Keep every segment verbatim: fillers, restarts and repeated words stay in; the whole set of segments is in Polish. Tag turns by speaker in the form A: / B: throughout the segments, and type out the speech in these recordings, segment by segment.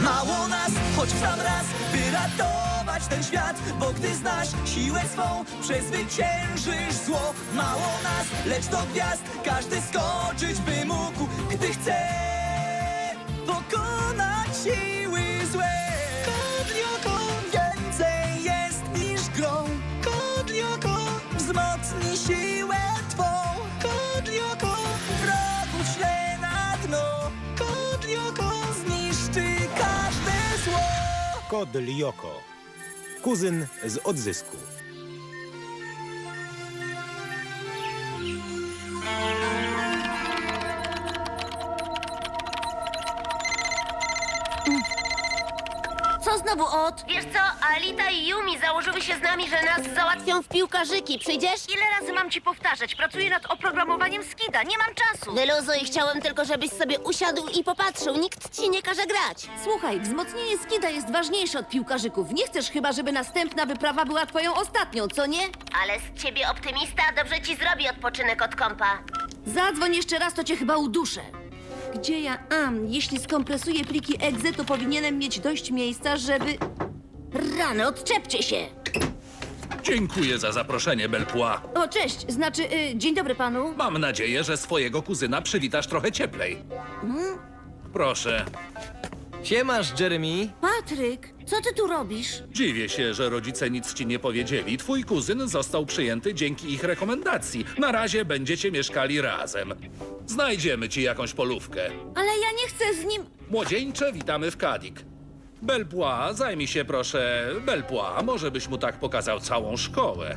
A: Mało nas, choć w sam raz, by ratować ten świat. Bo gdy znasz siłę swą, przezwyciężysz zło. Mało nas, lecz do gwiazd każdy skoczyć by mógł, gdy chce pokonać siły złe. Kodlioko więcej jest niż grą. Kodlioko wzmocni siłę twą. Kodlioko wrogów śle na dno. Kodlioko zniszczy każde zło.
B: Kod Lioko. Kuzyn z odzysku.
C: Co znowu od?
D: Wiesz co, Alita i Yumi założyły się z nami, że nas załatwią.
C: W piłkarzyki, przyjdziesz?
D: Ile razy mam ci powtarzać? Pracuję nad oprogramowaniem Skida, nie mam czasu.
C: Wyluzuj, chciałem tylko, żebyś sobie usiadł i popatrzył. Nikt ci nie każe grać.
E: Słuchaj, wzmocnienie skida jest ważniejsze od piłkarzyków. Nie chcesz chyba, żeby następna wyprawa była twoją ostatnią, co nie?
D: Ale z ciebie optymista dobrze ci zrobi odpoczynek od kompa.
E: Zadzwoń jeszcze raz, to cię chyba uduszę. Gdzie ja am? Jeśli skompresuję pliki exe, to powinienem mieć dość miejsca, żeby... Rany, odczepcie się!
F: Dziękuję za zaproszenie, Belpois.
E: O, cześć, znaczy, y, dzień dobry panu.
F: Mam nadzieję, że swojego kuzyna przywitasz trochę cieplej. Proszę.
G: Siemasz, Jeremy.
E: Patryk, co ty tu robisz?
F: Dziwię się, że rodzice nic ci nie powiedzieli. Twój kuzyn został przyjęty dzięki ich rekomendacji. Na razie będziecie mieszkali razem. Znajdziemy ci jakąś polówkę.
E: Ale ja nie chcę z nim...
F: Młodzieńcze, witamy w Kadik. Belpois, zajmij się proszę. Belpois, może byś mu tak pokazał całą szkołę.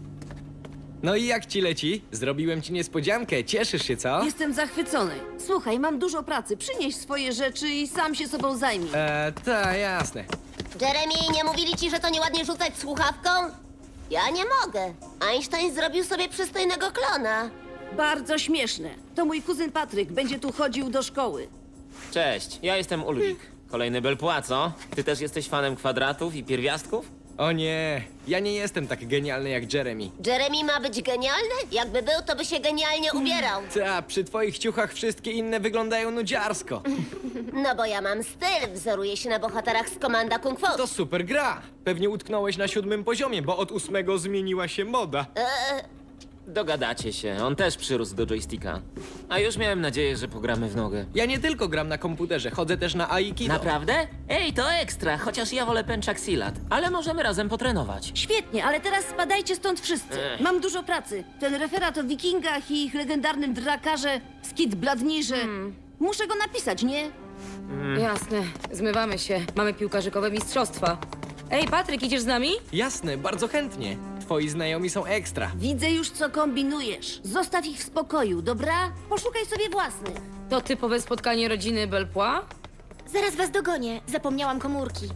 G: No i jak ci leci? Zrobiłem ci niespodziankę, cieszysz się, co?
E: Jestem zachwycony. Słuchaj, mam dużo pracy. Przynieś swoje rzeczy i sam się sobą zajmij.
G: Eee, ta, jasne.
C: Jeremy, nie mówili ci, że to nieładnie rzucać słuchawką? Ja nie mogę. Einstein zrobił sobie przystojnego klona.
E: Bardzo śmieszne. To mój kuzyn Patryk będzie tu chodził do szkoły.
H: Cześć, ja jestem Ulrik. Kolejny Belpois, co? Ty też jesteś fanem kwadratów i pierwiastków?
G: O nie, ja nie jestem tak genialny jak Jeremy.
C: Jeremy ma być genialny? Jakby był, to by się genialnie ubierał.
G: Ta, przy twoich ciuchach wszystkie inne wyglądają nudziarsko.
C: No bo ja mam styl, wzoruję się na bohaterach z Komanda Kung Fu.
G: To super gra. Pewnie utknąłeś na siódmym poziomie, bo od ósmego zmieniła się moda.
H: Dogadacie się, on też przyrósł do joysticka. A już miałem nadzieję, że pogramy w nogę.
G: Ja nie tylko gram na komputerze, chodzę też na Aikido.
H: Naprawdę? Ej, to ekstra, chociaż ja wolę pęczak silat. Ale możemy razem potrenować.
E: Świetnie, ale teraz spadajcie stąd wszyscy.
H: Ech.
E: Mam dużo pracy. Ten referat o wikingach i ich legendarnym drakarze Skid Bladnirze. Muszę go napisać, nie?
I: Jasne, zmywamy się. Mamy piłkarzykowe mistrzostwa. Ej, Patryk, idziesz z nami?
G: Jasne, bardzo chętnie. Twoi znajomi są ekstra.
E: Widzę już, co kombinujesz. Zostaw ich w spokoju, dobra? Poszukaj sobie własnych.
I: To typowe spotkanie rodziny Belpois?
C: Zaraz was dogonię. Zapomniałam komórki.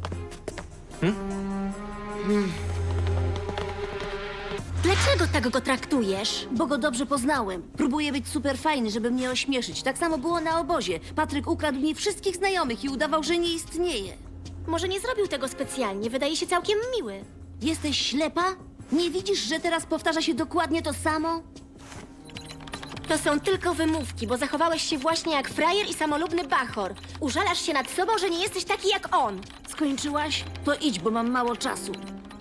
C: Hmm? Dlaczego tak go traktujesz?
E: Bo go dobrze poznałem. Próbuję być super fajny, żeby mnie ośmieszyć. Tak samo było na obozie. Patryk ukradł mi wszystkich znajomych i udawał, że nie istnieje.
C: Może nie zrobił tego specjalnie. Wydaje się całkiem miły.
E: Jesteś ślepa? Nie widzisz, że teraz powtarza się dokładnie to samo?
C: To są tylko wymówki, bo zachowałeś się właśnie jak frajer i samolubny bachor. Użalasz się nad sobą, że nie jesteś taki jak on.
E: Skończyłaś? To idź, bo mam mało czasu.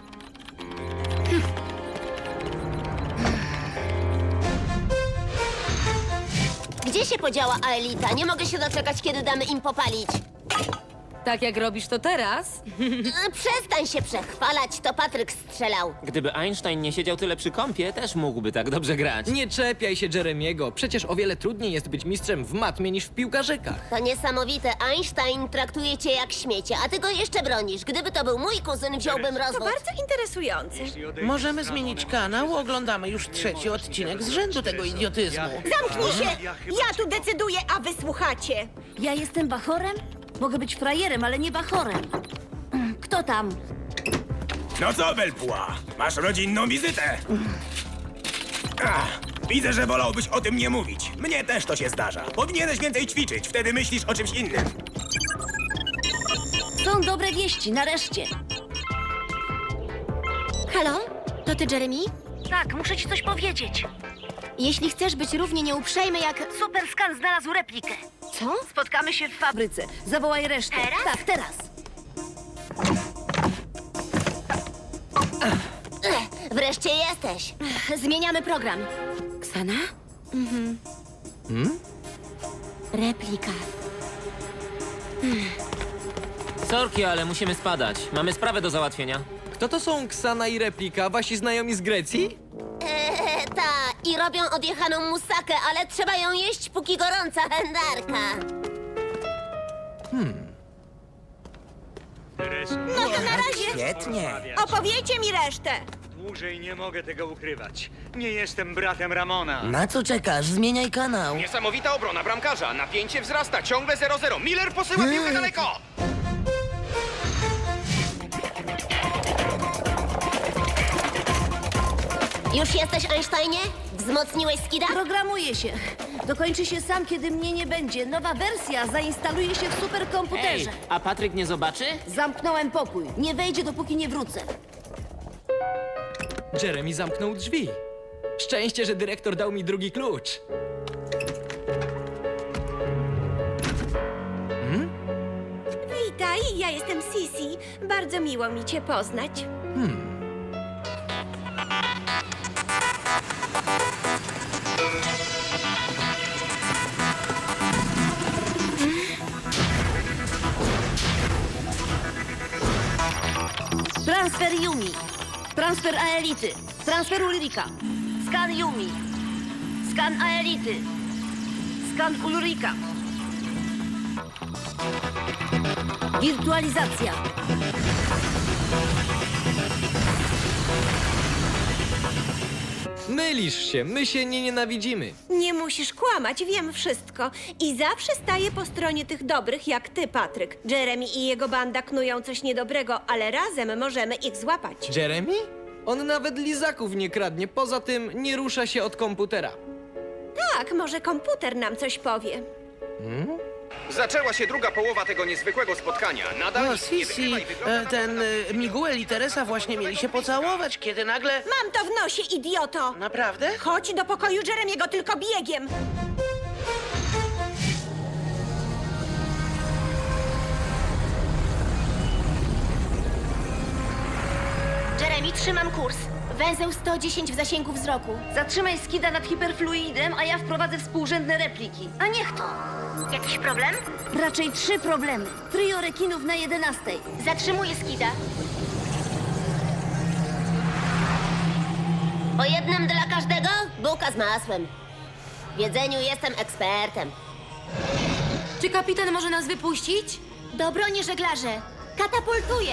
C: Gdzie się podziała Aelita? Nie mogę się doczekać, kiedy damy im popalić.
I: Tak jak robisz to teraz?
C: E, Przestań się przechwalać, to Patryk strzelał.
H: Gdyby Einstein nie siedział tyle przy kąpie, też mógłby tak dobrze grać.
G: Nie czepiaj się Jeremiego. Przecież o wiele trudniej jest być mistrzem w matmie niż w piłkarzykach.
C: To niesamowite. Einstein traktuje cię jak śmiecie, a ty go jeszcze bronisz. Gdyby to był mój kuzyn, wziąłbym rozwód.
D: interesujące.
J: Możemy zmienić kanał, oglądamy już trzeci odcinek z rzędu tego idiotyzmu.
D: Zamknij się! Ja tu decyduję, a wy słuchacie.
E: Ja jestem bachorem? Mogę być frajerem, ale nie bachorem. Kto tam?
B: No co, Belpois? Masz rodzinną wizytę. Ach, widzę, że wolałbyś o tym nie mówić. Mnie też to się zdarza. Powinieneś więcej ćwiczyć, wtedy myślisz o czymś innym.
E: Są dobre wieści, nareszcie.
C: Halo? To ty, Jeremy?
D: Tak, muszę ci coś powiedzieć.
C: Jeśli chcesz być równie nieuprzejmy jak...
D: Superscan znalazł replikę.
C: Co?
D: Spotkamy się w fabryce.
E: Fabryce. Zawołaj resztę.
D: Teraz?
E: Tak, teraz.
C: Wreszcie jesteś. Zmieniamy program.
I: Ksana?
C: Replika.
H: Sorki, ale musimy spadać. Mamy sprawę do załatwienia.
G: Kto to są Ksana i Replika? Wasi znajomi z Grecji?
C: Eee, ta, i robią odjechaną musakę, ale trzeba ją jeść, póki gorąca wędarka.
A: No to na razie. Świetnie.
C: Opowiedzcie mi resztę.
K: Dłużej nie mogę tego ukrywać. Nie jestem bratem Ramona.
A: Na co czekasz? Zmieniaj kanał.
B: Niesamowita obrona bramkarza. Napięcie wzrasta, ciągle zero zero. Miller posyła piłkę daleko.
C: Już jesteś, Einsteinie? Wzmocniłeś skida?
E: Programuje się. Dokończy się sam, kiedy mnie nie będzie. Nowa wersja zainstaluje się w superkomputerze.
H: Ej, a Patryk nie zobaczy?
E: Zamknąłem pokój. Nie wejdzie, dopóki nie wrócę.
G: Jeremy zamknął drzwi. Szczęście, że dyrektor dał mi drugi klucz.
C: Witaj, ja jestem Sisi. Bardzo miło mi cię poznać.
E: Transfer Yumi. Transfer Aelity. Transfer Ulrika. Skan Yumi. Skan Aelity. Skan Ulrika. Wirtualizacja.
G: Mylisz się, my się nie nienawidzimy.
C: Nie musisz kłamać, wiem wszystko. I zawsze staję po stronie tych dobrych, jak ty, Patryk. Jeremy i jego banda knują coś niedobrego, ale razem możemy ich złapać.
G: Jeremy? On nawet lizaków nie kradnie, poza tym nie rusza się od komputera.
C: Tak, może komputer nam coś powie.
B: Zaczęła się druga połowa tego niezwykłego spotkania. Nadal
J: O,
B: nic nie
J: Sisi,
B: wygrywa i wygląda
J: e, ten e, Miguel i Teresa właśnie mieli się pocałować, kiedy nagle...
C: Mam to w nosie, idioto!
J: Naprawdę?
C: Chodź do pokoju Jeremiego tylko biegiem! Jeremy, trzymam kurs. Węzeł sto dziesięć w zasięgu wzroku.
E: Zatrzymaj skida nad hiperfluidem, a ja wprowadzę współrzędne repliki.
C: A niech to. Jakiś problem?
E: Raczej trzy problemy. Trio rekinów na jedenastej.
C: Zatrzymuję skida. Po jednym dla każdego? Bułka z masłem. W jedzeniu jestem ekspertem.
I: Czy kapitan może nas wypuścić?
C: Do broni żeglarze. Katapultuję.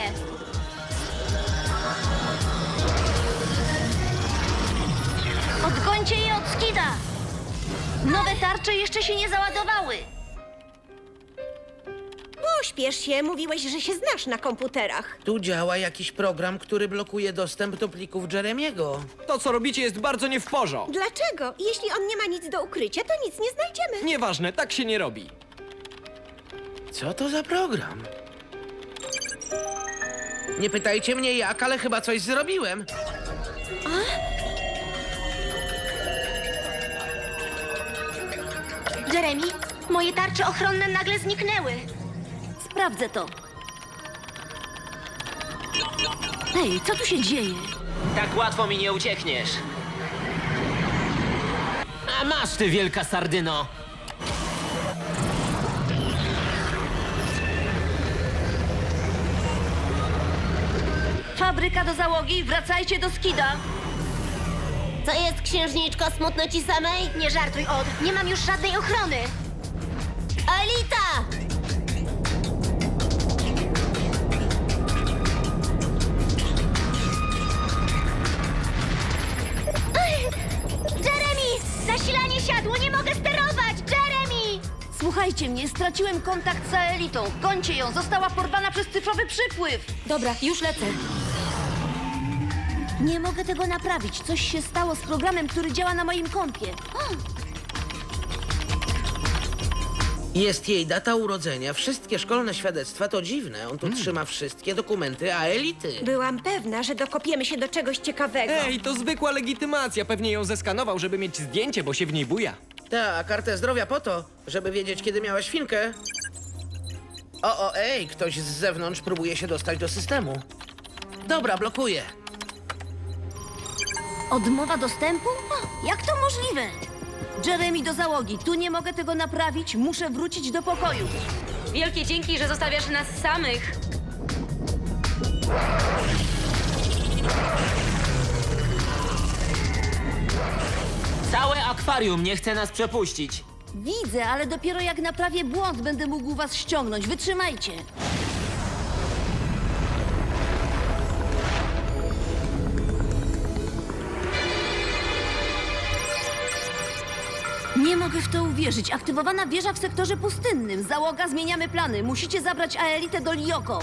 E: Odgońcie je od skida! Nowe tarcze jeszcze się nie załadowały.
C: Pośpiesz się, mówiłeś, że się znasz na komputerach.
J: Tu działa jakiś program, który blokuje dostęp do plików Jeremiego.
G: To, co robicie, jest bardzo nie w porządku.
C: Dlaczego? Jeśli on nie ma nic do ukrycia, to nic nie znajdziemy.
G: Nieważne, tak się nie robi.
J: Co to za program? Nie pytajcie mnie jak, ale chyba coś zrobiłem.
C: Jeremy, moje tarcze ochronne nagle zniknęły.
E: Sprawdzę to. Hej, co tu się dzieje?
H: Tak łatwo mi nie uciekniesz. A masz ty, wielka sardyno!
E: Fabryka do załogi, wracajcie do skida.
C: Co jest, księżniczko, smutno ci samej? Nie żartuj, Od. Nie mam już żadnej ochrony. Alita! Jeremy! Zasilanie siadło, nie mogę sterować! Jeremy!
E: Słuchajcie mnie, straciłem kontakt z Aelitą. Gońcie ją, została porwana przez cyfrowy przypływ.
I: Dobra, już lecę.
E: Nie mogę tego naprawić. Coś się stało z programem, który działa na moim kompie.
J: Jest jej data urodzenia, wszystkie szkolne świadectwa, to dziwne. On tu trzyma wszystkie dokumenty Aelity.
C: Byłam pewna, że dokopiemy się do czegoś ciekawego.
G: Ej, to zwykła legitymacja. Pewnie ją zeskanował, żeby mieć zdjęcie, bo się w niej buja.
J: Tak, kartę zdrowia po to, żeby wiedzieć, kiedy miała świnkę. O, o, ej, ktoś z zewnątrz próbuje się dostać do systemu. Dobra, blokuję.
E: Odmowa dostępu? O, jak to możliwe? Jeremy, do załogi. Tu nie mogę tego naprawić. Muszę wrócić do pokoju.
I: Wielkie dzięki, że zostawiasz nas samych.
H: Całe akwarium nie chce nas przepuścić.
E: Widzę, ale dopiero jak naprawię błąd, będę mógł was ściągnąć. Wytrzymajcie. Nie mogę w to uwierzyć. Aktywowana wieża w sektorze pustynnym. Załoga, zmieniamy plany. Musicie zabrać Aelitę do Lioko.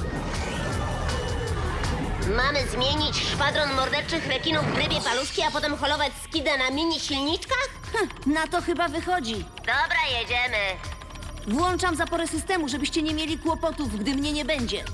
L: Mamy zmienić szwadron morderczych rekinów w rybie paluszki, a potem holować skidę na mini silniczkach?
E: Na to chyba wychodzi.
L: Dobra, jedziemy.
E: Włączam zaporę systemu, żebyście nie mieli kłopotów, gdy mnie nie będzie.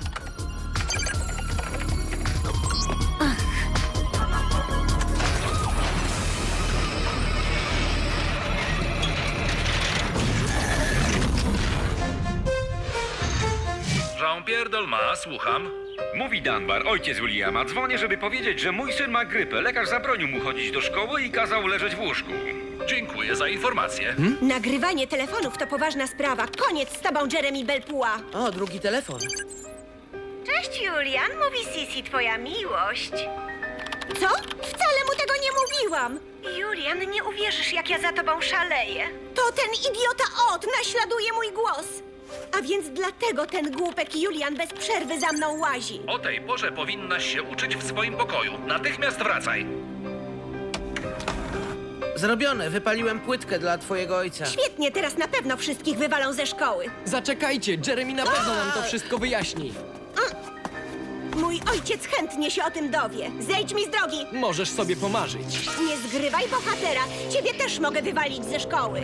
F: Jean-Pierre Dolma, słucham.
M: Mówi Dunbar, ojciec Williama. Dzwonię, żeby powiedzieć, że mój syn ma grypę. Lekarz zabronił mu chodzić do szkoły i kazał leżeć w łóżku.
F: Dziękuję za informację.
C: Nagrywanie telefonów to poważna sprawa. Koniec z tobą, Jeremy Belpua.
J: O, drugi telefon.
C: Cześć, Julian. Mówi Sisi, twoja miłość. Co? Wcale mu tego nie mówiłam. Julian, nie uwierzysz, jak ja za tobą szaleję. To ten idiota Ot naśladuje mój głos. A więc dlatego ten głupek Julian bez przerwy za mną łazi.
F: O tej porze powinnaś się uczyć w swoim pokoju. Natychmiast wracaj.
J: Zrobione, wypaliłem płytkę dla twojego ojca.
C: Świetnie, teraz na pewno wszystkich wywalą ze szkoły.
G: Zaczekajcie, Jeremy na pewno nam to wszystko wyjaśni.
C: Mój ojciec chętnie się o tym dowie. Zejdź mi z drogi.
G: Możesz sobie pomarzyć.
C: Nie zgrywaj bohatera. Ciebie też mogę wywalić ze szkoły.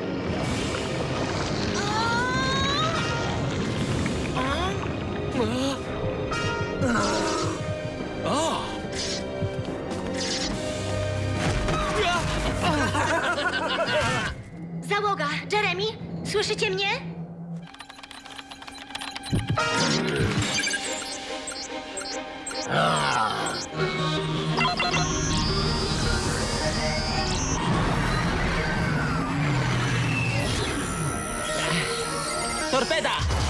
L: Załoga, Jeremy, słyszycie mnie?
H: Torpeda!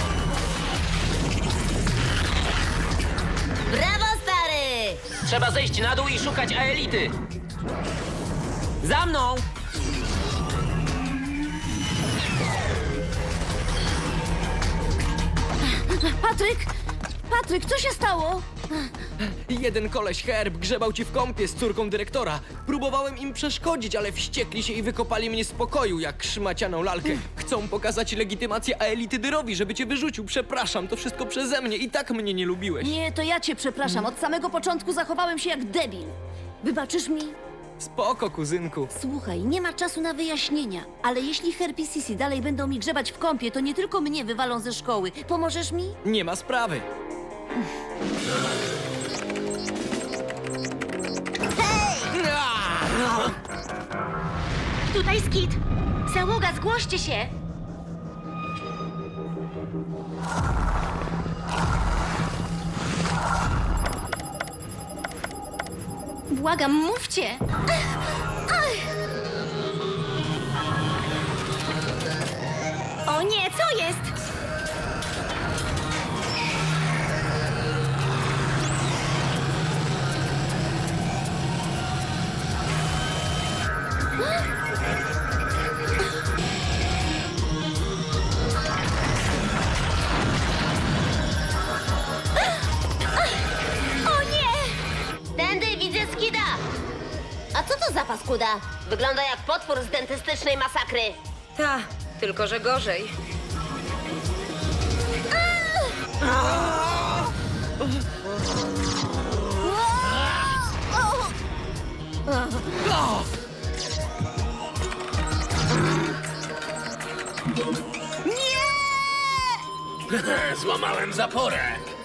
L: Brawo, stary!
H: Trzeba zejść na dół i szukać Aelity. Za mną!
E: Patryk! Patryk, co się stało?
G: Jeden koleś Herb grzebał ci w kąpie z córką dyrektora. Próbowałem im przeszkodzić, ale wściekli się i wykopali mnie z pokoju, jak szmacianą lalkę. Chcą pokazać legitymację Aelity Dyrowi, żeby cię wyrzucił. Przepraszam, to wszystko przeze mnie. I tak mnie nie lubiłeś.
E: Nie, to ja cię przepraszam. Od samego początku zachowałem się jak debil. Wybaczysz mi?
G: Spoko, kuzynku.
E: Słuchaj, nie ma czasu na wyjaśnienia, ale jeśli Herb i Sisi dalej będą mi grzebać w kąpie, to nie tylko mnie wywalą ze szkoły. Pomożesz mi?
G: Nie ma sprawy.
L: Tutaj Skid. Załoga, zgłoście się. Błagam, mówcie. O nie, co jest? O nie! Tędy widzę Skida. A co to za paskuda? Wygląda jak potwór z dentystycznej masakry.
I: Ta, tylko że gorzej.
J: Złamałem zaporę.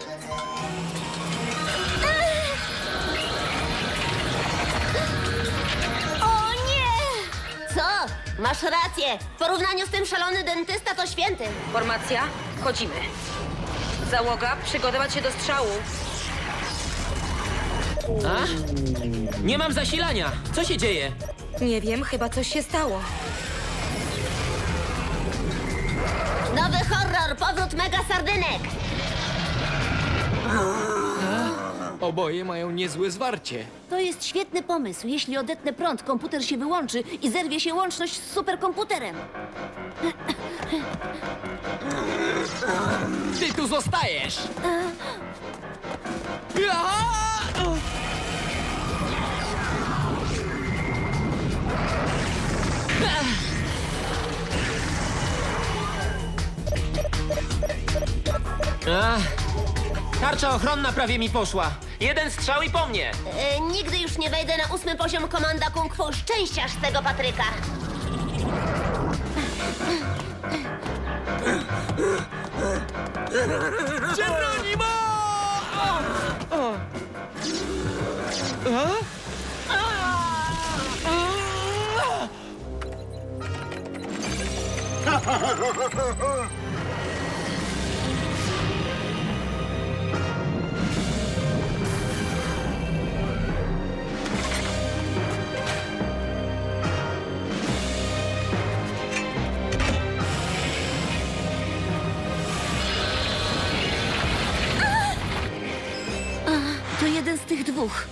L: O nie! Co? Masz rację. W porównaniu z tym szalony dentysta to święty.
I: Formacja, wchodzimy. Załoga, przygotować się do strzału.
H: A? Nie mam zasilania. Co się dzieje?
I: Nie wiem, chyba coś się stało.
L: Nowy horror, powrót mega sardynek.
G: Oboje mają niezłe zwarcie.
E: To jest świetny pomysł. Jeśli odetnę prąd, komputer się wyłączy i zerwie się łączność z superkomputerem.
G: Ty tu zostajesz! Aha!
H: Ach, tarcza ochronna prawie mi poszła. Jeden strzał i po mnie.
L: E, nigdy już nie wejdę na ósmy poziom komanda Kung Fu. Szczęściarz z tego Patryka.
G: Geronimo!
E: To jeden z tych dwóch.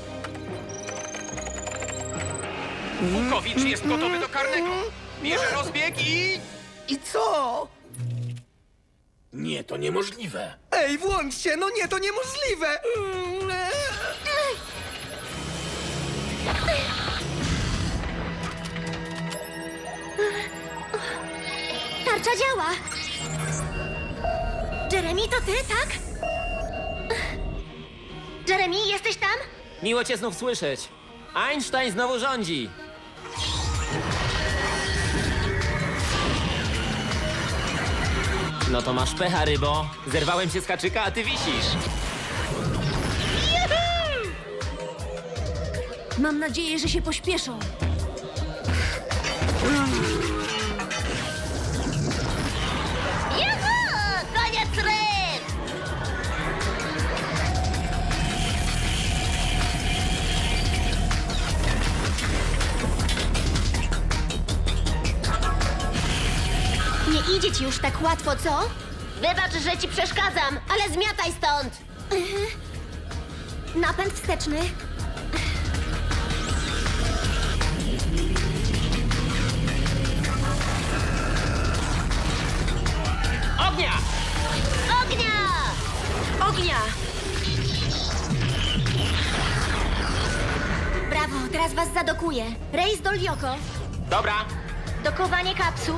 B: Bukowicz jest gotowy do karnego. Bierze rozbieg i...
J: I co? Nie, to niemożliwe.
G: Ej, włączcie! No nie, to niemożliwe!
C: Tarcza działa. Jeremy, to ty, tak? Jeremy, jesteś tam?
H: Miło cię znów słyszeć. Einstein znowu rządzi. No to masz pecha, rybo. Zerwałem się z haczyka, a ty wisisz.
E: Mam nadzieję, że się pośpieszą.
L: Juhu! Koniec ryb!
C: Nie idzie ci już tak łatwo, co?
L: Wybacz, że ci przeszkadzam, ale zmiataj stąd!
C: Napęd wsteczny.
H: Ognia!
L: Ognia!
C: Ognia! Brawo, teraz was zadokuję. Rejs do Lioko.
H: Dobra.
C: Dokowanie kapsuł.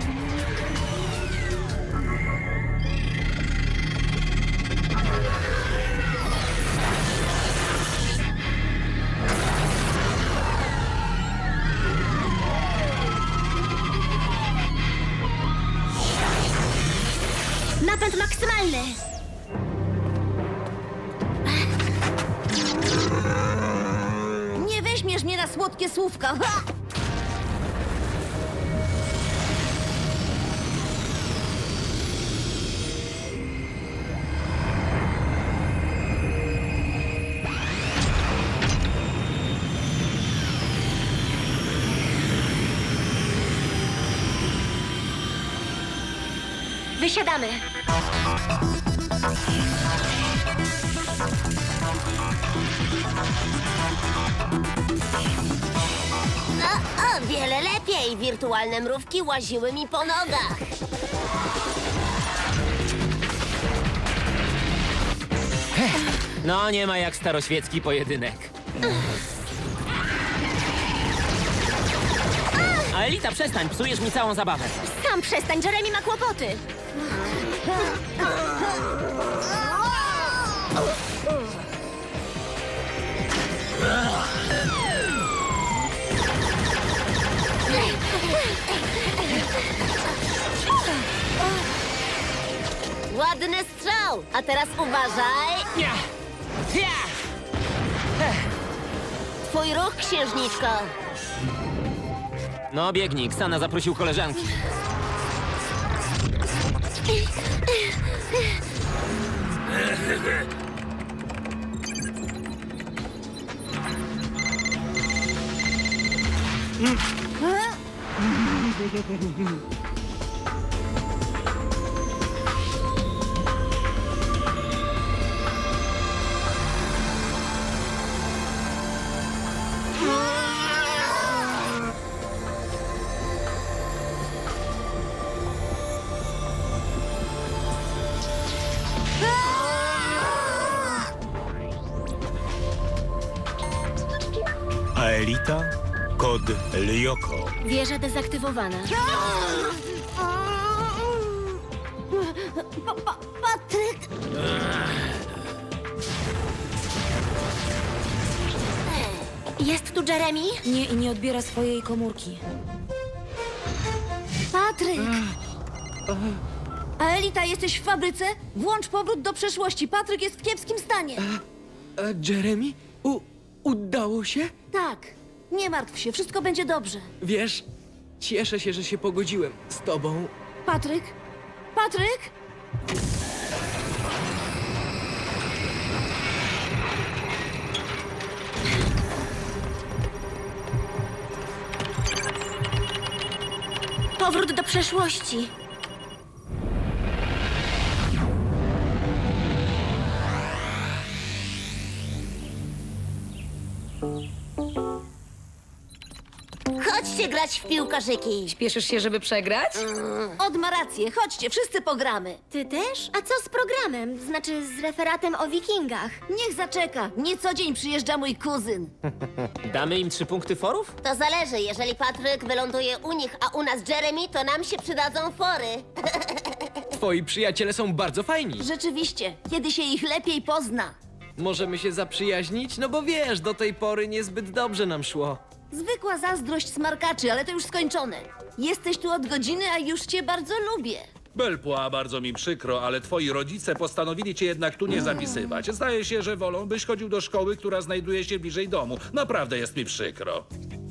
C: Napęd maksymalny.
E: Nie weźmiesz mnie na słodkie słówka. Ha!
C: Wysiadamy.
L: O, o, wiele lepiej. Wirtualne mrówki łaziły mi po nogach.
H: No, nie ma jak staroświecki pojedynek. A Elita, przestań, psujesz mi całą zabawę.
C: Sam przestań, Jeremy ma kłopoty.
L: Ładny strzał. A teraz uważaj.
H: Ja. Ja.
L: Twój ruch, księżniczko.
H: No, biegnij, Ksana zaprosił koleżanki.
B: Aelita, kod Lyoko.
L: Wieża dezaktywowana.
C: Pa, pa, Patryk!
L: Jest tu Jeremy?
I: Nie, i nie odbiera swojej komórki.
C: Patryk! Aelita, jesteś w fabryce? Włącz powrót do przeszłości. Patryk jest w kiepskim stanie.
G: E, Jeremy? U, udało się?
C: Tak. Nie martw się, wszystko będzie dobrze.
G: Wiesz, cieszę się, że się pogodziłem z tobą.
C: Patryk? Patryk?
L: Powrót do przeszłości. Chodźcie grać w piłkarzyki.
I: Śpieszysz się, żeby przegrać?
C: Od ma rację, chodźcie, wszyscy pogramy.
L: Ty też? A co z programem? Znaczy z referatem o wikingach?
C: Niech zaczeka, nie co dzień przyjeżdża mój kuzyn.
H: Damy im trzy punkty forów?
L: To zależy. Jeżeli Patryk wyląduje u nich, a u nas Jeremy, to nam się przydadzą fory.
G: Twoi przyjaciele są bardzo fajni.
C: Rzeczywiście, kiedy się ich lepiej pozna.
G: Możemy się zaprzyjaźnić? No bo wiesz, do tej pory niezbyt dobrze nam szło.
C: Zwykła zazdrość smarkaczy, ale to już skończone. Jesteś tu od godziny, a już cię bardzo lubię.
F: Belpła, bardzo mi przykro, ale twoi rodzice postanowili cię jednak tu nie zapisywać. Zdaje się, że wolą, byś chodził do szkoły, która znajduje się bliżej domu. Naprawdę jest mi przykro.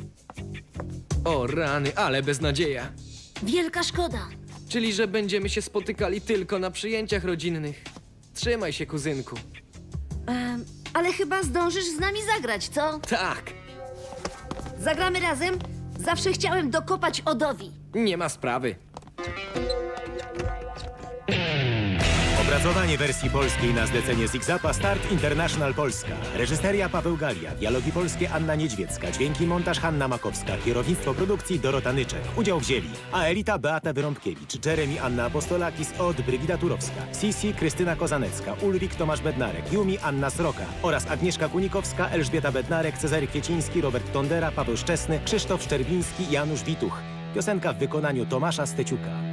G: O rany, ale beznadzieja.
C: Wielka szkoda.
G: Czyli, że będziemy się spotykali tylko na przyjęciach rodzinnych. Trzymaj się, kuzynku.
C: Em, ale chyba zdążysz z nami zagrać, co?
G: Tak,
C: Zagramy razem? Zawsze chciałem dokopać Odowi.
G: nie ma sprawy.
B: Opracowanie wersji polskiej na zlecenie Zigzapa Start International Polska. Reżyseria Paweł Galia, dialogi polskie Anna Niedźwiecka, dźwięki montaż Hanna Makowska, kierownictwo produkcji Dorota Nyczek. Udział wzięli Aelita Beata Wyrąbkiewicz, Jeremy Anna Apostolakis, Od Brygida Turowska, Sisi Krystyna Kozanecka, Ulrik Tomasz Bednarek, Yumi Anna Sroka oraz Agnieszka Kunikowska, Elżbieta Bednarek, Cezary Kwieciński, Robert Tondera, Paweł Szczesny, Krzysztof Szczerbiński, Janusz Wituch. Piosenka w wykonaniu Tomasza Steciuka.